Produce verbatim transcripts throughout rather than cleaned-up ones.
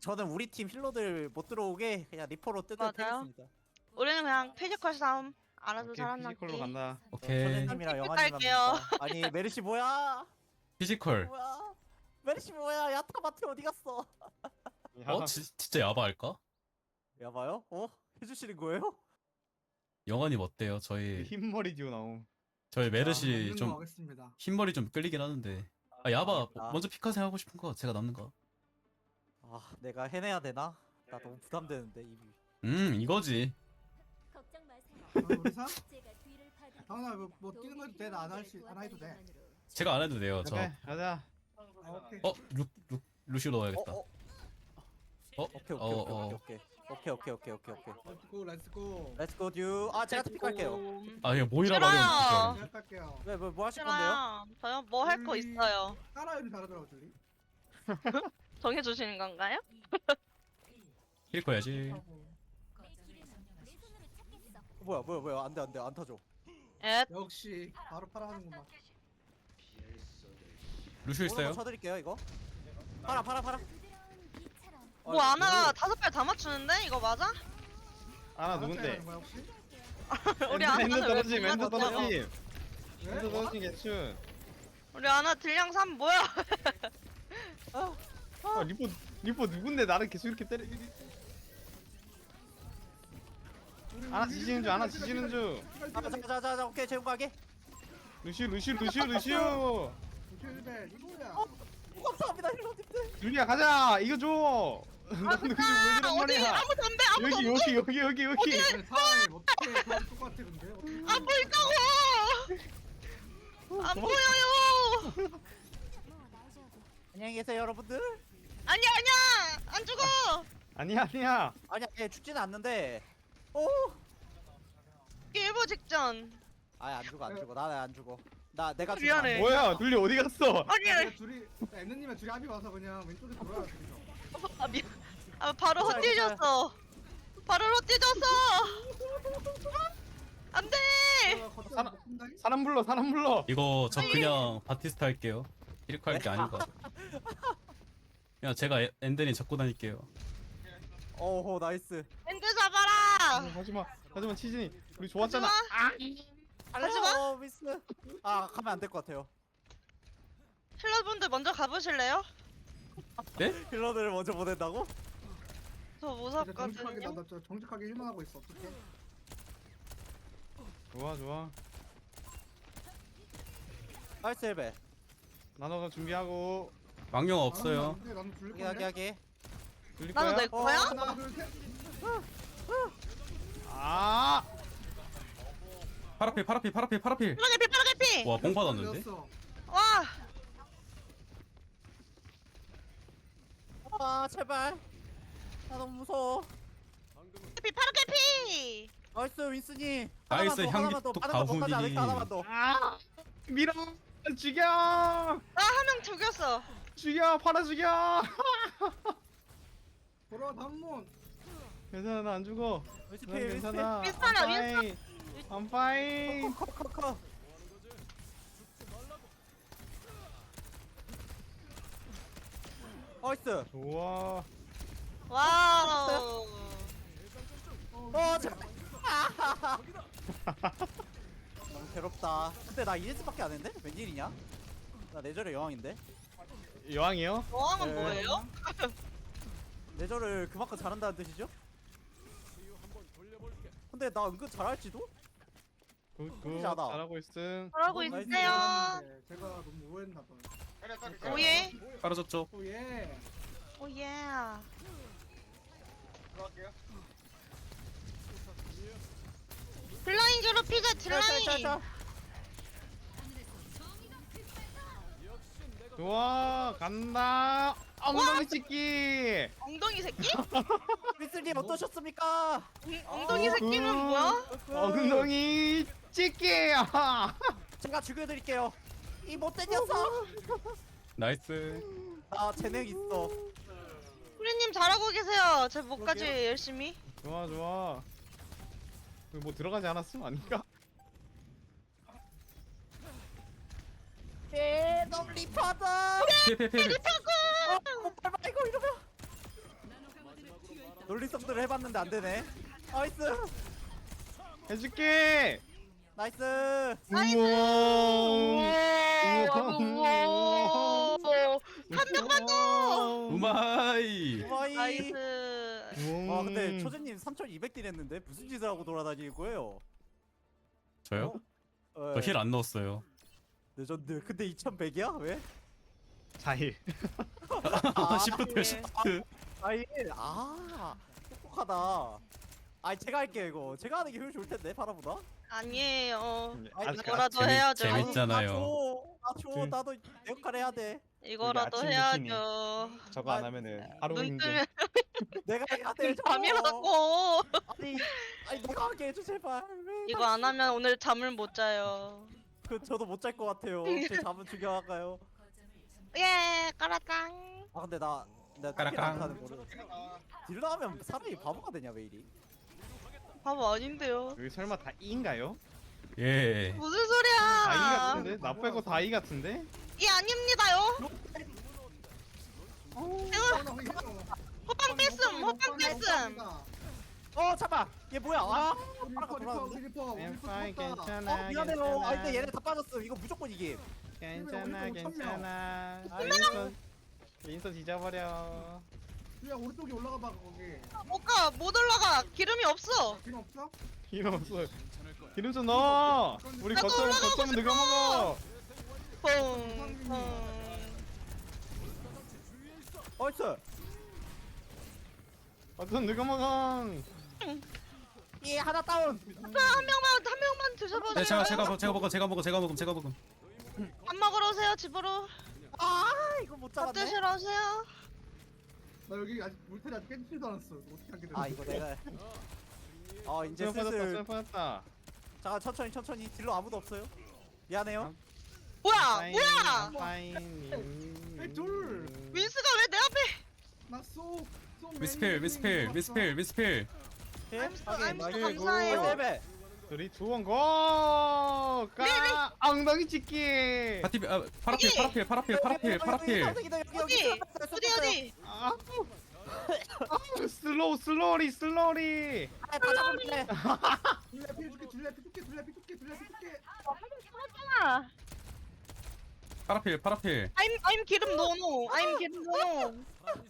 저는 우리 팀 힐러들 못 들어오게 그냥 리퍼로 뜯어 맞아요. 패겠습니다. 우리는 그냥 피지컬 싸움 알아서 오케이, 잘한다. 피지컬로 간다. 오케이. 선생님이랑 픽 영환님 깔게요. 합니다. 아니 메르시 뭐야? 피지컬. 뭐야? 메르시 뭐야? 야타마트 어디 갔어? 어? 지, 진짜 야바할까? 야봐요? 어? 해주시는 거예요? 영환님 어때요? 저희 흰머리 듀오 나옴. 저희 메르시 좀 좀 하겠습니다. 흰머리 좀 끌리긴 하는데. 아 야바 알겠다. 먼저 피카생 하고 싶은 거 제가 남는 거. 아 내가 해내야 되나? 나 너무 부담되는데 이미. 음 이거지. 걱정 마세요. 아, 우리 사? 제가 뒤를 파드릴게요. 당연아 뭐, 뭐 뛰는 거 해도 돼? 나 안 할 수 안 해도 돼. 제가 안 해도 돼요. 저. 오케이 가자. 아, 오케이. 어? 루, 루, 루시오 어, 넣어야겠다. 어, 어? 오케이 오케이 어, 어. 오케이 오케이 오케이 오케이 오케이 오케이 오케이. 렛츠고 렛츠고. Let's go 듀. 아 제가 픽할게요. 아 이거 모이라 싫어요. 말이야. 제가 할게요. 왜뭐 뭐 하실 건데요? 싫어요. 저요 뭐 할 거 음. 있어요. 따라 이름 잘하더라고 줄리. 정해주시는 건가요? 힐 거야지. 어, 뭐야 뭐야 뭐야 안돼 안돼 안 타죠. 예. 역시 바로 팔아 하는구만. 루시오 있어요? 쳐드릴게요 이거. 팔아 팔아 팔아. 뭐 아나 다섯 발 다 맞추는데 이거 맞아? 아나 하는 누군데? 거야 혹시? 우리 엔더 아나는 왜 떨어짐. 못 엔더 맞췄어? 떨어짐. 왜? 엔더 떨어짐 개춘. 우리 아나 딜량 삼 뭐야? 아 리포 리포 누군데 나를 계속 이렇게 때려. 아나 지지는 중. 아나 지지는 중. 자자자자 오케이 재훈 가게. 루시오 루시오 루시오 루시오. 힐벨 이거야. 감사합니다 힐러님들. 유리야 가자. 이거 줘. 아 너는 진짜 왜 이런 어디 말이야? 아무도 안 돼. 아무도 여기 안 돼. 여기 여기 여기 여기. 사람이 어떻게 그렇게 똑같아 근데? 어떻게 안 보인다고. 안 보여요. 안녕히 계세요 여러분들. 아니야 아니야 안 죽어. 아니야 아니야. 아니야 얘 죽지는 않는데. 오. 일보 직전. 아예 안 죽어 안 죽어 나는 안 죽어. 나 내가 죽으면 미안해. 안 돼. 뭐야 둘리 어디 갔어? 아니 내가 둘이 엠느님이랑 둘이 합의 와서 그냥 왼쪽에 돌아가 둘이서. 아 미안. 아 바로 괜찮아, 헛디졌어. 바로 헛디졌어. 안돼. 사람- 사람 불러 사람 불러. 이거 저 그냥 바티스타 할게요. 힐코 할게 아닌 것 같아. 그냥 제가 에- 엔덴이 잡고 다닐게요. 오호 나이스. 엔드 잡아라. 하지마 하지마 치즈니 우리 좋았잖아. 하지마. 하지마. 어 미스. 아 가면 안 될 것 같아요. 힐러분들 먼저 가보실래요? 네? 힐러들을 먼저 보낸다고? 저 정직하게 무섭거든요. 나나 정직하게 힐만 하고 있어. 어떡해? 좋아 좋아. 나이스 헬베. 나눠가 준비하고. 망령 없어요. 근데 나는 둘 하게 하게 하게. 돌릴 나도 거야? 내 거야? 하나 둘 셋. 아 파라필 파라필 파라필 파라필. 파라게피 파라게피. 와 뽕 받았는데? 되었어. 와. 아 제발. 나 너무 무서워. 게피 파라게피. 나이스 윈스니. 나이스, 하나만 더, 향기 하나만 더, 톡 하나만 더, 가훈이. 하나만 더, 하나만 더. 아! 밀어 죽여 나 한 명 죽였어. 죽여 팔아 죽여. 돌아와 단문. 괜찮아 나 안 죽어. 윈스 난 필 윈스 필. 괜찮아. 윈스턴아, I'm fine. I'm fine. 커커커. 나이스. 좋아. 와우. 어 제발. 너무 괴롭다. 근데 나 이레스밖에 안 했는데? 웬일이냐? 나 내절의 여왕인데? 여왕이요? 여왕은 네. 뭐예요? 내절을 그만큼 잘한다는 뜻이죠? 근데 나 은근 잘할지도? 굿굿 굿이잖아. 잘하고 있음. 잘하고 나이스. 있어요. 네, 제가 너무 오해했나 봐. 오예. 빨아졌죠? 오예. 오예. 딜라인 괴롭히자 딜라인. 짤짤짤. 좋아 간다. 엉덩이 찍기. 엉덩이 새끼? 윈스님 어떠셨습니까? 응, 엉덩이 어, 새끼는 그- 뭐야? 엉덩이 찍기. 아. 제가 죽여드릴게요. 이 못된 녀석. 나이스. 나 재능 있어. 후리님 잘하고 계세요. 제 목까지 그러게요. 열심히. 좋아 좋아. 뭐 들어가지 않았음 아닌가? 예, 너 리퍼다. 피피피. 어, 밟아 이거 이러면. 논리성들을 해봤는데 안 되네. 나이스. 해줄게. 나이스. 우와. 한 명만 더. 우마이. 와이. 나이스. 와 근데 초재님 삼천이백 딜 했는데 무슨 짓을 하고 돌아다니는 거예요? 저요? 어, 저 힐 안 넣었어요. 레전드. 근데 이천백이야? 왜? 자일. 아, 시프트 시프트. 아이 아 똑똑하다. 아 제가 할게요 이거. 제가 하는 게 효율 좋을 텐데 파라보다. 아니에요. 아니, 이거라도 재밌- 해야죠. 재밌잖아요. 나줘 나도 내 역할 해야 돼. 이거라도 아침 해야죠. 저거 안 하면은 하루 눈 힘든 뜨면 내가 해야 돼. 저거. 밤이라고. 아니 아니 내가 하게 해줘 제발. 왜 이거 안 하면 오늘 잠을 못 자요. 그 저도 못 잘 것 같아요. 제 잠은 중요할까요? 예, 까라짱. 아 근데 나 내가 까락까락. 하는 거를 딜러 하면 사람이 바보가 되냐 왜 이리? 바보 아닌데요. 여기 설마 다 이인가요? 예. 무슨 다이 소리야? 같은데? 나 빼고 다이 같은데? 이 아닙니다요. 호빵 뺐음, 호빵 뺐음. 어 잠깐 얘 뭐야? 아 리퍼 리퍼 우리 리퍼 우리 I'm 리퍼 fine, 죽었다. 괜찮아. 어 미안해요. 괜찮아. 아 근데 얘네 다 빠졌어. 이거 무조건 이김. 괜찮아, 우리 또 괜찮아. 윈선, 윈선 잊어버려. 야 오른쪽에 올라가 봐 거기. 못 가, 못 올라가. 기름이 없어. 필요 없어? 기름 없어. 기름 좀 넣어. 우리 나도 거점, 올라가고 거점은 누가 싶어. 먹어? 퐁, 퐁. 어이스. 거점 누가 먹어? 예 하나 다운. 한 명만, 한 명만 드셔보세요. 네, 제가 제가 먹- 제가 먹어 제가 먹어 제가 먹음 제가 먹음. 밥 먹으러 오세요, 집으로. 아 이거 못 밥 잡았네. 드시러 오세요. 나 여기 아직 물타리 아직 깬지도 않았어. 이거 어떻게 하게 돼? 아 이거 내가. 어 이제 쇠 빠졌다, 슬슬. 쇠 빠졌다. 잠깐 천천히 천천히. 딜러 아무도 없어요. 미안해요. 뭐야, 뭐야? 에이, 둘. 윈스가 왜 내 앞에? 나쏘 미스필 미스필 미스필 미스필. 예? I'm so- 확인. I'm so 나이스. 감사해요. 어, 셀베. 둘이 두원 고! 까! 엉덩이 찍기! 파티 아 파라필 파라필 파라필 파라필 파라필. 여기 여기 여기 어디? 여기. 어디, 어디? 아, 아, 슬로우 슬로리 슬로리 아, 다 잡았네. 둘레 피 줄게 둘레 피 줄게 둘레 피 줄게 둘레 피 줄게. 아, 파라필 파라필. I'm, I'm 기름 노노. I'm 기름 노노.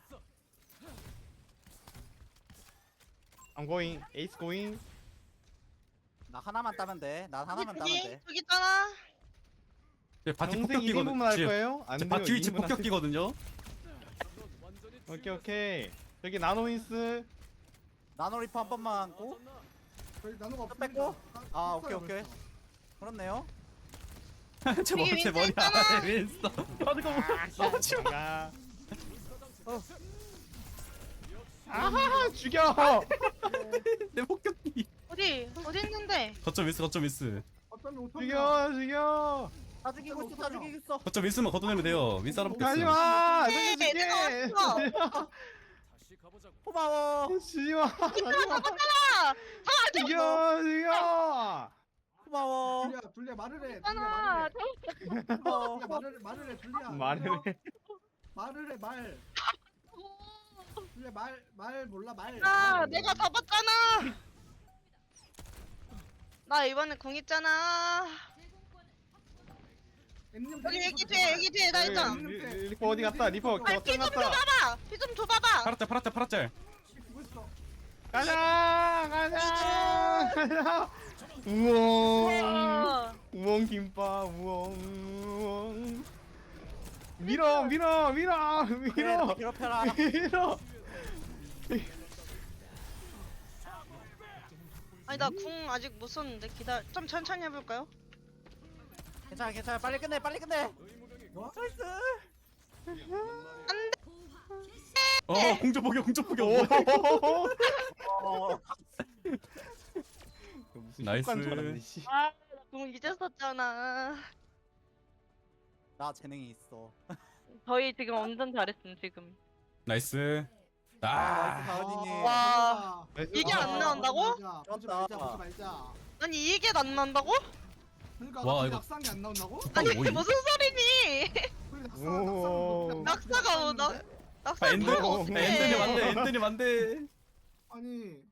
I'm going 에이스 going 나 하나만 따면 돼. 나 하나만 따면 저기, 돼. 저기 있잖아. 제 바티 동생 일 인분만 할 폭격기거든요. 거예요? 안 제 돼요, 바티 위치 이 인분 폭격기거든요. 하세요. 오케이 오케이 여기 나노윈스 나노 리퍼 한 번만 안고. 저희 나노가 없어. 뺐고? 아 오케이 오케이. 그렇네요. 제 여기 머리 제 윈스 머리 있잖아. 안에 윈스터. 아 이거 뭐? 가 아하 죽여 내 폭격기. 어디? 어디 있는데? 거점 윈스 거점 윈스. 어쩌면 오천 죽여 죽여 다 죽이고 있어 다 죽이고 있어. 거점 윈스만 걷어내면 돼요. 윈스 하나 뽑겠어. 가지마 네, 내가 살려줄게 왔어. 고마워. 죽지마 가지마 아, 죽여 죽여 고마워. 둘레야 둘레 말을 해. 둘레 있잖아. 말을 해. 고마워. 둘레 말을 말을 해 둘레야. 말을 해 말을 해 말. 둘레 말말 몰라 말. 아, 내가 잡았잖아. 나 이번에 궁 있잖아. 엠님 여기 여기 뒤에 여기 뒤에 나 있잖아. 리- 리- 리퍼 어디 갔다 리퍼 아, 거점 피 좀 갔다 줘봐봐. 피 좀 줘봐봐. 파라짤 파라짤 파라짤. 죽고 있어. 가자 가자 가자 우엉 어. 우엉 김밥 우엉 우엉 밀어 밀어 밀어 그래 밀어 너 괴롭혀라. 밀어 아니 나 궁 아직 못 썼는데 기다. 좀 천천히 해볼까요? 괜찮아 괜찮아 빨리 끝내 빨리 끝내. 나이스. 어 공조 포격 공조 포격. 어. 무슨 나이스. 효과인 줄 알았네, 씨. 아, 궁 이제 썼잖아. 나 재능이 있어. 저희 지금 완전 잘했음 지금. 나이스. 아 아. 나이스 다은이님. 와. 나이스. 이게 안 나온다고? 보지 말자 보지 말자. 아니 이게 안 난다고? 그러니까 와, 와, 이거- 낙상이 안 나온다고? 아니 뭐이? 무슨 소리니? 그래, 낙상, 오. 낙상, 낙사가 뭐 나- 아 낙사 엔드 뭐가 오, 어떻게? 엔드님 안돼 엔드님 안돼. 아니